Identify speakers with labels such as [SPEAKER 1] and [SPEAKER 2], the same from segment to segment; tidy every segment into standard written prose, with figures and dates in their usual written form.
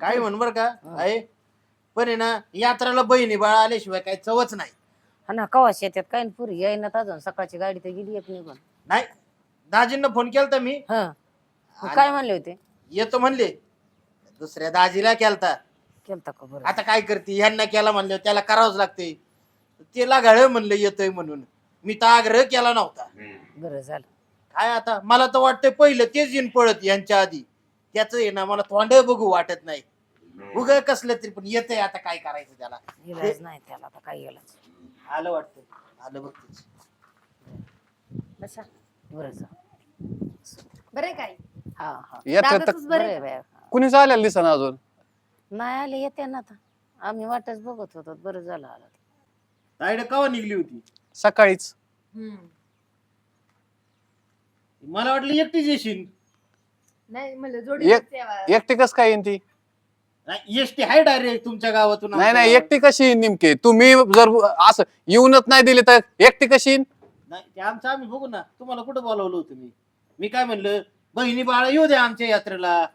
[SPEAKER 1] काय म्हण बर का आहे, पण आहे ना यात्राला बहिणी बाळा आल्याशिवाय काही चवच नाही.
[SPEAKER 2] हा ना कवाश येतात काय न पुरी येईना अजून सकाळची गाडी तर गेली एक निघून.
[SPEAKER 1] नाही दाजींना फोन केलता मी,
[SPEAKER 2] हा काय म्हणले होते?
[SPEAKER 1] येतो म्हणले. दुसऱ्या दाजीला केलता.
[SPEAKER 2] केलता का बरं?
[SPEAKER 1] आता काय करते, ह्यांना केला म्हणलं त्याला करावंच लागते. त्याला गाळ म्हणलं येतोय म्हणून, मी तर आग्रह केला नव्हता.
[SPEAKER 2] बरं झालं.
[SPEAKER 1] काय आता मला तर वाटतंय पहिलं तेच येईन पळत यांच्या आधी. त्याच आहे ना मला तोंड बघू वाटत नाही. उग कसलं तरी पण येतंय, आता काय करायचं त्याला.
[SPEAKER 2] इलाज नाही त्याला आता, काय इलाज.
[SPEAKER 1] आलं वाटतं, आलं बघतेच.
[SPEAKER 2] बसा बरं जा.
[SPEAKER 3] बरे काय
[SPEAKER 2] हा हा
[SPEAKER 4] येते
[SPEAKER 3] दादाचंच बरं आहे.
[SPEAKER 2] बरं बाय.
[SPEAKER 4] कुणीच आलेलं दिसना अजून.
[SPEAKER 2] नाही आले येते ना आता, आम्ही वाटच बघत होतो. बरं झालं आला.
[SPEAKER 1] ताईड कवा निघली होती?
[SPEAKER 4] सकाळीच.
[SPEAKER 1] मला वाटलं एकटीच येशील.
[SPEAKER 3] नाही म्हणलं जोडी
[SPEAKER 4] एकटी कस काय येईन ती?
[SPEAKER 1] एसटी आहे डायरेक्ट तुमच्या गावातून.
[SPEAKER 4] नाही नाही, एकटी कशी येईन नेमकी? तुम्ही जर असं येऊनच नाही दिली तर एकटी कशी येईन?
[SPEAKER 1] नाही ते आमचं आम्ही बघू ना. तुम्हाला कुठं बोलावलं होतं मी? मी काय म्हणलं, बहिणी बाळा येऊ द्या आमच्या यात्रेला.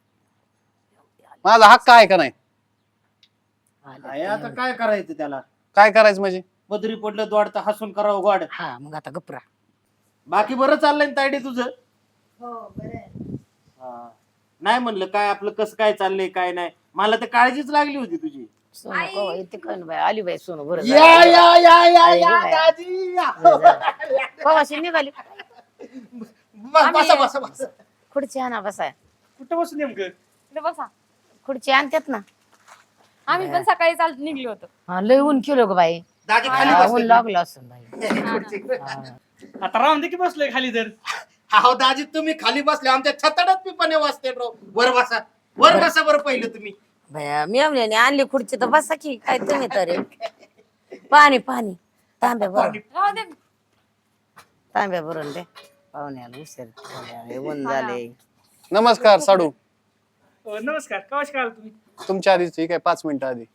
[SPEAKER 4] माझा हक्क आहे का नाही?
[SPEAKER 1] आहे, आता काय करायचं त्याला?
[SPEAKER 4] काय करायचं म्हणजे?
[SPEAKER 1] बदरी पडलं दोडता हसून करावं गोड.
[SPEAKER 2] हा मग आता गपरा.
[SPEAKER 1] बाकी बरं चाललंय ना तायडे तुझं?
[SPEAKER 3] हो बरं आहे.
[SPEAKER 1] हा. नाही म्हणलं काय आपलं कसं काय चाललंय काय नाही, मला तर काळजीच लागली होती तुझी.
[SPEAKER 2] सोनू कवा येते काय बाय? आली बाई सोनू. बरं
[SPEAKER 1] या
[SPEAKER 2] झालं.
[SPEAKER 1] या या या
[SPEAKER 2] आई
[SPEAKER 1] या
[SPEAKER 2] बाई.
[SPEAKER 1] दाजी या.
[SPEAKER 2] कवाशी निघाली.
[SPEAKER 1] बसा बसा बसा.
[SPEAKER 2] खुर्ची आणा बसाय.
[SPEAKER 1] कुठं बसू नेमकं?
[SPEAKER 3] इकडे बसा.
[SPEAKER 2] खुर्ची आणतात ना.
[SPEAKER 3] आम्ही पण सकाळी चाल निघलो होतो.
[SPEAKER 2] हा लय ऊन केलो ग बाई.
[SPEAKER 1] दाजी खाली
[SPEAKER 2] हा, ऊन
[SPEAKER 1] बसले.
[SPEAKER 2] लागलं असं बाई. हा.
[SPEAKER 5] आता राहून दे की बसलोय खाली तर.
[SPEAKER 1] हो दाजी तुम्ही खाली बसले, आमच्या छताडात मी पण वाजते राव. वर बसा, वर बसा बरं पहिलं तुम्ही.
[SPEAKER 2] बया मेवण्याने आणली खुर्ची तर बसा की काय तुम्ही तरी. पाणी पाणी तांब्या भरून.
[SPEAKER 3] राहू दे.
[SPEAKER 2] तांब्या भरून दे पाहुण्याला. उशीर झाले, ऊन झाले.
[SPEAKER 4] नमस्कार साडू.
[SPEAKER 5] नमस्कार. कवाश काय आला तुम्ही?
[SPEAKER 4] तुमच्या आधीच ठीक आहे, 5 मिनिटं आधी.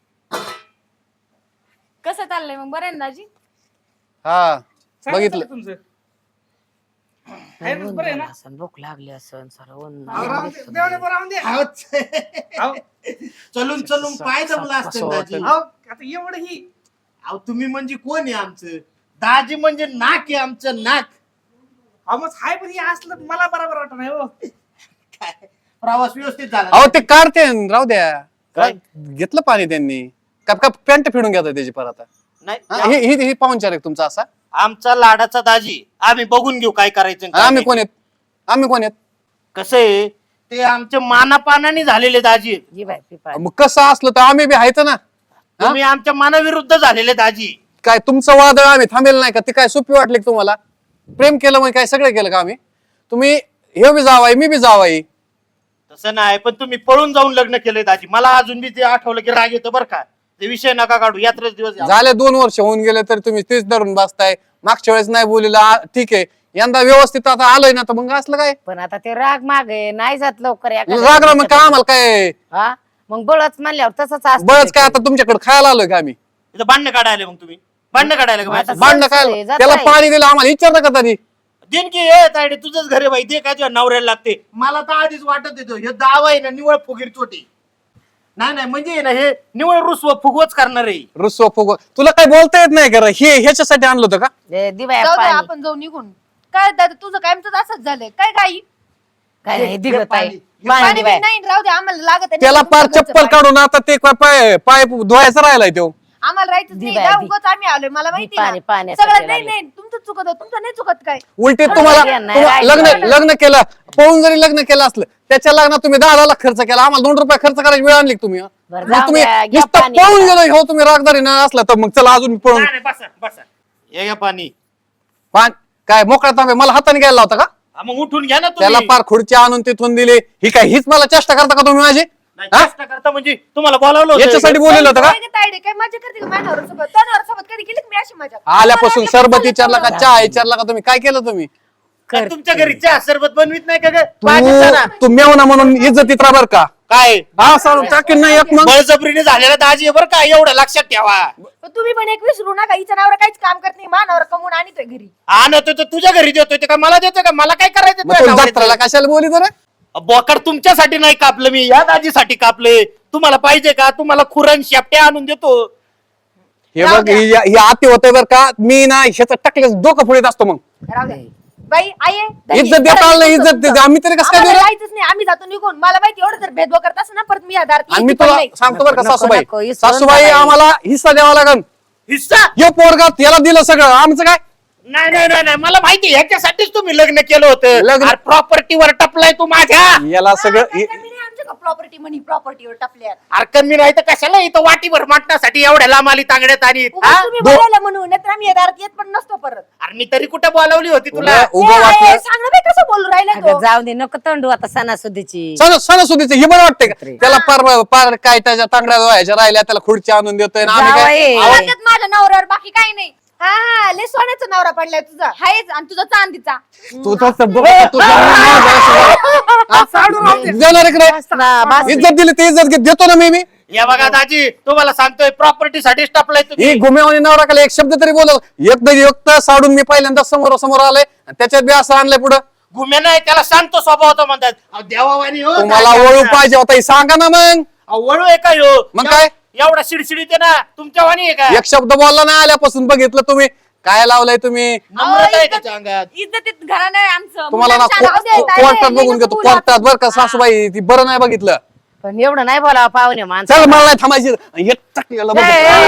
[SPEAKER 3] कसं चाललंय मग? बरं आहे ना दाजी?
[SPEAKER 4] हा
[SPEAKER 5] चांगलं
[SPEAKER 4] बघितलं.
[SPEAKER 5] चाललंय तुमचं. आहे ना,
[SPEAKER 2] ऊन
[SPEAKER 5] बरं आहे
[SPEAKER 2] झालं
[SPEAKER 5] ना?
[SPEAKER 2] असन, भूक लागली असन सारं ऊन.
[SPEAKER 5] राहून दे, देवाने बरं राहून दे. अहो,
[SPEAKER 1] चलून चलून पाय जमला असतं
[SPEAKER 2] कसं
[SPEAKER 1] दाजी.
[SPEAKER 2] वाटेल.
[SPEAKER 5] अहो, आता एवढं ही
[SPEAKER 1] अहो तुम्ही म्हणजे कोण आहे आमचं? दाजी म्हणजे नाक आहे आमचं, नाक.
[SPEAKER 5] मग हाय पण हे असलं मला बरोबर वाटत नाही हो.
[SPEAKER 1] काय प्रवास व्यवस्थित झाला?
[SPEAKER 4] अहो ते काढते न, राहू द्या.
[SPEAKER 1] काय?
[SPEAKER 4] घेतलं पाणी त्यांनी. कप कप पॅन्ट फिरून घेतात त्याची परत. हा,
[SPEAKER 1] नाही
[SPEAKER 4] ही पाहुणचार आहे तुमचा असा?
[SPEAKER 1] आमचा लाडाचा दाजी, आम्ही बघून घेऊ काय करायचं आणि काय
[SPEAKER 4] आम्ही
[SPEAKER 1] नाही.
[SPEAKER 4] कोण आहेत? आम्ही कोण आहेत?
[SPEAKER 1] कसं आहे ते आमच्या मानापानाने झालेले दाजी आहेत.
[SPEAKER 2] जी बाई पी पाणी.
[SPEAKER 4] मग कसं असलं तर आम्ही बी आहेत ना.
[SPEAKER 1] तुम्ही आमच्या मानाविरुद्ध झालेले दाजी.
[SPEAKER 4] काय तुमचं वादळ आम्ही थांबेल नाही का? ते काय सोपी वाटली का तुम्हाला? प्रेम केलं म्हणजे काय सगळं केलं का आम्ही? तुम्ही हे बी जावाई, मी बी जावाई.
[SPEAKER 1] तसं नाही, पण तुम्ही पळून जाऊन लग्न केलंय दाजी. मला अजून बी ते आठवलं की राग येतो बरं का. ते विषय नका काढू, यात्रेच दिवस आहे.
[SPEAKER 4] झाले 2 वर्ष होऊन गेले तरी तुम्ही तेच धरून बसताय. मागच्या वेळेस नाही बोललेला ठीक आहे, यंदा व्यवस्थित आता आलोय ना, तर मग असलं काय?
[SPEAKER 2] पण आता ते राग माग आहे, नाही जात लवकर एखाद्या
[SPEAKER 4] राग मग काय आम्हाला काय?
[SPEAKER 2] हा मग बळच म्हणल्यावर तसंच असतं.
[SPEAKER 4] बळच काय आता तुमच्याकडे खायला आलोय का आम्ही?
[SPEAKER 1] इथं भांडणं काढायला मग तुम्ही भांडणं काढायला का
[SPEAKER 2] आता
[SPEAKER 1] माझ्या?
[SPEAKER 4] भांडणं
[SPEAKER 2] जात
[SPEAKER 4] काय?
[SPEAKER 2] आहे.
[SPEAKER 4] त्याला पाणी दिलं आम्हाला विचारता का तरी?
[SPEAKER 1] दिन की ये तायडे तुझंच घर आहे बाई, ते काय तुझ्या नवऱ्याला लागते. मला तर आधीच वाटत येतो हे दावा आहे ना निवळ फुगीर चोटी. नाही म्हणजे आहे ना हे निवळ रुसव फुगवच करणार आहे.
[SPEAKER 4] रुसवा फुगवा. तुला काय बोलता येत नाही का? हे ह्याच्यासाठी आणलं होतं का?
[SPEAKER 2] दिवाया
[SPEAKER 3] जाऊ दे,
[SPEAKER 2] पाणी
[SPEAKER 3] आपण जाऊ निघून. काय दादा तुझं काय आमचं असंच झालंय काय काही
[SPEAKER 2] काय नाही दिगत आहे
[SPEAKER 1] पाणी.
[SPEAKER 2] पाणी
[SPEAKER 3] पाणी
[SPEAKER 2] दिवाय.
[SPEAKER 3] नाही राहू दे आम्हाला लागत आहे.
[SPEAKER 4] त्याला पार
[SPEAKER 3] तुमच्या घरचं
[SPEAKER 4] चप्पल
[SPEAKER 3] पाणी.
[SPEAKER 4] काढून आता ते पाय पाय धुवायचा राहिलाय तो.
[SPEAKER 3] आम्हाला राहायचं नाही.
[SPEAKER 2] दिवाय,
[SPEAKER 3] जा,
[SPEAKER 2] दि-
[SPEAKER 3] उगाच आम्ही आलोय. मला माहिती
[SPEAKER 2] पाणी-
[SPEAKER 3] आहे ना.
[SPEAKER 2] पाण्यासाठी
[SPEAKER 3] सगळं नाही
[SPEAKER 2] लागले.
[SPEAKER 3] नाही तुमचं चुकत आहे, तुमचं नाही चुकत काय.
[SPEAKER 4] उलटे
[SPEAKER 2] नाही,
[SPEAKER 4] तुम्हाला
[SPEAKER 2] नाही,
[SPEAKER 4] लग्न
[SPEAKER 2] नाही.
[SPEAKER 4] लग्न केलं पळून जरी लग्न केलं असलं त्याच्या लग्नात तुम्ही 10 लाख खर्च केला, आम्हाला 2 रुपये खर्च करायची वेळ आणली का तुम्ही?
[SPEAKER 2] बरं,
[SPEAKER 4] मग
[SPEAKER 2] जाऊ
[SPEAKER 4] तुम्ही
[SPEAKER 2] द्या, घ्या
[SPEAKER 4] नुसतं
[SPEAKER 2] पाणी.
[SPEAKER 4] पळून गेलो हो, तुम्ही रागदारी ना असला तर मग चला अजून पळून.
[SPEAKER 1] नाही, बसा बसा. ये घ्या पाणी.
[SPEAKER 4] काय मोकळा तांबे मला हाताने घ्यायला होता का?
[SPEAKER 1] हा, मग उठून घ्या ना
[SPEAKER 4] त्याला
[SPEAKER 1] तुम्ही.
[SPEAKER 4] पार खुर्ची आणून तिथून दिली. ही काय हीच मला चेष्टा करता का तुम्ही माझी?
[SPEAKER 1] नाही,
[SPEAKER 4] हा?
[SPEAKER 1] चेष्टा करता म्हणजे तुम्हाला बोलावलं होतं.
[SPEAKER 4] याच्यासाठी बोललेलं होतं का?
[SPEAKER 3] काय गं तायडे, काय मजा करते का माझ्यावर सोबत? तोंडावर सोबत कधी केली का मी अशी मजा?
[SPEAKER 4] आल्यापासून
[SPEAKER 3] मला
[SPEAKER 4] सरबत
[SPEAKER 3] वाटलं
[SPEAKER 4] विचारला का,
[SPEAKER 3] तुला
[SPEAKER 4] चहा विचारला का, तुम्ही काय केलं तुम्ही?
[SPEAKER 1] का तुमच्या घरी चहा सरबत बनवीत नाही का ग? पाणी चला.
[SPEAKER 4] तू मेवना म्हणून इज्जतीत राहा बर का?
[SPEAKER 1] काय
[SPEAKER 4] हा सर टाकीन नाही एक मग.
[SPEAKER 1] बळजबरीने झालेला दाजी आहे बरं का, एवढं लक्षात ठेवा.
[SPEAKER 3] पण तुम्ही पण एक विसरू नका, हिच्या नावावर काहीच काम करत नाही. मानावर कमवून आणतोय घरी.
[SPEAKER 1] आणतोय तर तुझ्या घरी देतोय ते का मला देतोय का? मला काय करायचं
[SPEAKER 4] मग
[SPEAKER 1] तुझ्या
[SPEAKER 4] तू
[SPEAKER 1] नवऱ्याचं?
[SPEAKER 4] जत्राला कशाला बोली तर?
[SPEAKER 1] बोकड तुमच्यासाठी नाही कापलं मी, या दाजीसाठी कापले. तुम्हाला पाहिजे का? तुम्हाला खुरण शेपट्या आणून देतो.
[SPEAKER 4] हे बघ हे आती होतंय बरं का, मी ना ह्याचं टाकलं डोकं फुडीत असतो मग.
[SPEAKER 3] राहू दे. बाई आई आहे.
[SPEAKER 4] इज्जत देता आलं नाही, इज्जत देते आम्ही तरी कसं काय
[SPEAKER 3] आम्हाला
[SPEAKER 4] देऊ?
[SPEAKER 3] जायचंच नाही, आम्ही जातो निघून. मला माहिती एवढं जर भेदभाव करत असं ना परत मी आधार
[SPEAKER 4] आणि मी तुला सांगतो बरं का
[SPEAKER 2] नको, नको,
[SPEAKER 4] सासूबाई,
[SPEAKER 2] इसरून
[SPEAKER 4] सासूबाई
[SPEAKER 2] टाकायचं.
[SPEAKER 4] आम्हाला हिस्सा द्यावा लागेल.
[SPEAKER 1] हिस्सा?
[SPEAKER 4] यो पोरगा याला दिलं सगळं, आमचं काय?
[SPEAKER 1] नाही नाही नाही नाही, मला माहिती आहे, ह्याच्यासाठीच तुम्ही लग्न केलं होतं.
[SPEAKER 4] लग्न-
[SPEAKER 1] प्रॉपर्टीवर टपलाय तू माझ्या.
[SPEAKER 4] याला सगळं
[SPEAKER 3] प्रॉपर्टी म्हणी प्रॉपर्टीवर टपल्यात.
[SPEAKER 1] अरे कमी नाही तर कशाला इथं वाटीभर माटण्यासाठी एवढ्या लांब आली तांगड्यात आणि
[SPEAKER 3] उगाच तुम्ही बोलायला म्हणून, नाहीतर आम्ही आधारात येत पण नसतो परत.
[SPEAKER 1] अरे मी तरी कुठे बोलावली होती तुला?
[SPEAKER 4] उभं
[SPEAKER 3] ए,
[SPEAKER 4] वाटलं.
[SPEAKER 3] आई, सांग ना बाई कसं बोलू राहिला
[SPEAKER 2] अगं
[SPEAKER 3] तो.
[SPEAKER 2] जाऊ दे, नको तंडू आता सणासुदीची.
[SPEAKER 4] सणासुदीचं हे बरं वाटतंय का? त्याला पार काय त्याच्या तांगड्या व्हायच्या राहिल्या, त्याला खुर्च्या आणून देतोय ना आम्ही काय?
[SPEAKER 2] जावई.
[SPEAKER 3] आवाजात माझ्या नवऱ्यावर बाकी काही नाही. हा हा, लय सोन्याचा नवरा पडलाय तुझा. हायच, आणि तुझा चांदीचा.
[SPEAKER 4] तू तसं बघ, तू जाणार इकडे.
[SPEAKER 2] ना, बस.
[SPEAKER 4] इज्जत दिली ते इज्जत देतो ना मी.
[SPEAKER 1] या बघा दाजी, तुम्हाला सांगतोय प्रॉपर्टीसाठीच टपलाय
[SPEAKER 4] ही
[SPEAKER 1] तुम्ही.
[SPEAKER 4] घुमेवानी नवरा एक शब्द तरी बोल, एक साडून मी पहिल्यांदा समोर आलाय आणि त्याच्यात बी असं आणलंय पुढं.
[SPEAKER 1] घुम्या नाही, त्याला शांत स्वभाव होता म्हणतात. अहो, देवावानी हो
[SPEAKER 4] तुम्हाला
[SPEAKER 1] दाजी
[SPEAKER 4] वळू
[SPEAKER 1] आमचा.
[SPEAKER 4] पाहिजे होता हे सांगा ना मग.
[SPEAKER 1] अहो, वळू आहे काय हो?
[SPEAKER 4] मग काय?
[SPEAKER 1] एवढा शिडशिडीत आहे ना, तुमच्या वाणी आहे का?
[SPEAKER 4] एक शब्द बोलला ना आल्यापासून बघितलं तुम्ही काय लावलंय तुम्ही.
[SPEAKER 1] नम्रता आहे त्याच्या अंगात.
[SPEAKER 3] इज्जतीत घराणं आहे आमचं.
[SPEAKER 4] तुम्हाला ना
[SPEAKER 3] मुलांच्या नावावर द्यायचं आहे.
[SPEAKER 4] कोर्टात
[SPEAKER 3] लय
[SPEAKER 4] बघून
[SPEAKER 3] नको
[SPEAKER 4] घेतो,
[SPEAKER 3] बोलू
[SPEAKER 4] कोर्टात
[SPEAKER 3] आता.
[SPEAKER 4] बरं का सासूबाई, ती बरं नाही बघितलं.
[SPEAKER 2] पण एवढं नाही बोलावं पाहुणे माणसं.
[SPEAKER 4] चल मला नाही थांबायची हे टाकलेलं बघ.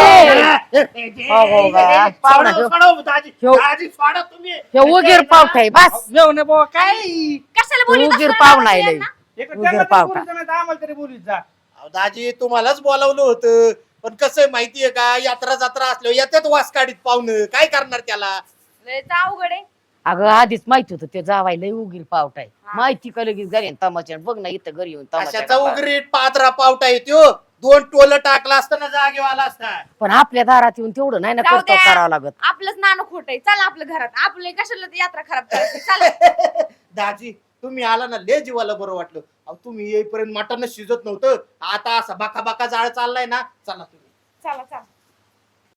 [SPEAKER 2] हो बा, पाहुणा
[SPEAKER 1] सोडा,
[SPEAKER 2] ह्यो-
[SPEAKER 1] सोडा, दाजी
[SPEAKER 2] ह्यो-
[SPEAKER 1] दाजी, सोडा तुम्ही.
[SPEAKER 2] ह्यो उगीर पावठा आहे, बस.
[SPEAKER 5] घेऊ ना बाबा काय
[SPEAKER 3] कशाला बोलीत
[SPEAKER 2] उगीर
[SPEAKER 3] असणार
[SPEAKER 2] पाहुणा
[SPEAKER 3] आवाज
[SPEAKER 2] आहे
[SPEAKER 3] यांना?
[SPEAKER 5] एक
[SPEAKER 2] उगीर
[SPEAKER 5] त्यांना तरी
[SPEAKER 2] पावटा.
[SPEAKER 5] बोलू दे, नाही आम्हाला तरी बोलू जा.
[SPEAKER 1] अहो, दाजी तुम्हालाच बोलावलं होतं, पण कसं आहे माहितीये का, यात्रा जत्रा असल्यावर याच्यात वास काढीत पाहुणं काय करणार त्याला?
[SPEAKER 3] लयच अवघड आहे.
[SPEAKER 2] अगं आधीच माहिती होतं ते जावाय लय उगीर पावठा आहे. माहिती का लगेच घरी येऊन तमाशा बघ ना इथं घरी येऊन
[SPEAKER 1] कशाचा
[SPEAKER 2] तमाशा.
[SPEAKER 1] उगरीट पात्रा पावटा येतो, 2 टोल टाकला असताना जागेवर आला असता.
[SPEAKER 2] पण आपल्या दारात येऊन तेवढं नाही ना
[SPEAKER 3] जाऊ
[SPEAKER 2] कर्तव्य
[SPEAKER 3] द्या.
[SPEAKER 2] करावं लागत.
[SPEAKER 3] आपलंच नाणं खोट आहे. चला आपलं घरात, आपलं कशाला ती यात्रा खराब करायची. चला.
[SPEAKER 1] दाजी तुम्ही आला ना, लय जीवाला बरं वाटलं. अहो तुम्ही येईपर्यंत मटण शिजत नव्हतं, आता असा बाका बाका जाळ चाललाय ना. चला तुम्ही.
[SPEAKER 3] चला चला.